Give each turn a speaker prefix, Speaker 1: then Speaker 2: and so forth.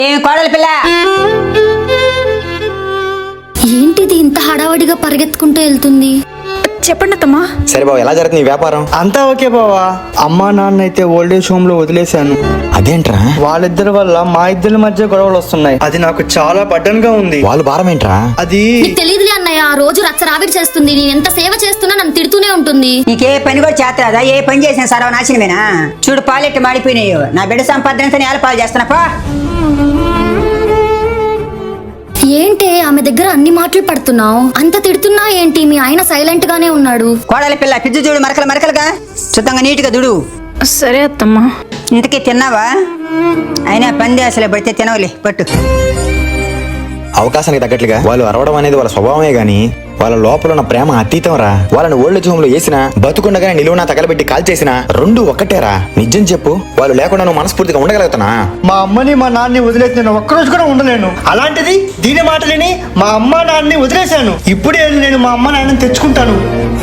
Speaker 1: ఏం కోడలి పిల్ల,
Speaker 2: ఏంటిది ఇంత హడావడిగా పరిగెత్తుకుంటూ వెళ్తుంది?
Speaker 3: చెప్పండి అత్తమ్మా.
Speaker 4: సరే బావ, ఎలా జరుగుతుంది నీ వ్యాపారం?
Speaker 5: అంతా ఓకే బావా. అమ్మా నాన్న అయితే ఓల్డేజ్ హోమ్ లో వదిలేశాను.
Speaker 4: అదేంట్రా?
Speaker 5: వాళ్ళిద్దరి వల్ల మా ఇద్దరి మధ్య గొడవలు వస్తున్నాయి. అది నాకు చాలా బడ్డన్ గా ఉంది.
Speaker 4: వాళ్ళు భారం ఏంట్రా?
Speaker 5: అది
Speaker 2: నీకు తెలియదులే అన్నయ్య, ఆ రోజు రచ్చరావిడి చేస్తుంది. నేను ఎంత సేవ చేస్తున్నా నన్ను తిడుతూనే ఉంటుంది.
Speaker 1: నీకే పని కూడా చేస్తాదా? ఏ పని చేసిన సర్వనాశనమేనా? చూడు పాలెట్టి మాడిపోయినాయి. నా బిడ్డ సంపాదన నేల పాలు చేస్తున్నా పా.
Speaker 2: ఏంటే ఆమె దగ్గర అన్ని మాటలు పడుతున్నావు? అంత తిడుతున్నా ఏంటి? మీ ఆయన సైలెంట్ గానే ఉన్నాడు.
Speaker 1: కోడలి పిల్ల పిజ్జు చూడు, మరకలుగా శుద్ధంగా నీట్గా దుడు.
Speaker 3: సరే అత్తమ్మా.
Speaker 1: ఇంతకీ తిన్నావా? అయినా పంది అసలే పడితే తినవలే పట్టు.
Speaker 4: అవకాశానికి తగ్గట్లుగా వాళ్ళు అరవడం అనేది వాళ్ళ స్వభావమే గాని వాళ్ళ లోపల ఉన్న ప్రేమ అతీతం రా. వాళ్ళని ఓల్డ్ హోమ్ లో వేసినా బతుకుండగానే నిలువునా తగలబెట్టి కాల్ చేసినా రెండు ఒక్కటేరా. నిజం చెప్పు, వాళ్ళు లేకుండా నువ్వు మనస్ఫూర్తిగా ఉండగలుగుతానా?
Speaker 5: మా అమ్మని మా నాన్నని వదిలేసి నేను ఒక్కరోజు కూడా ఉండలేను. అలాంటిది దీని మాటలని మా అమ్మ నాన్నని వదిలేశాను. ఇప్పుడే నేను మా అమ్మ నాన్నని తెచ్చుకుంటాను.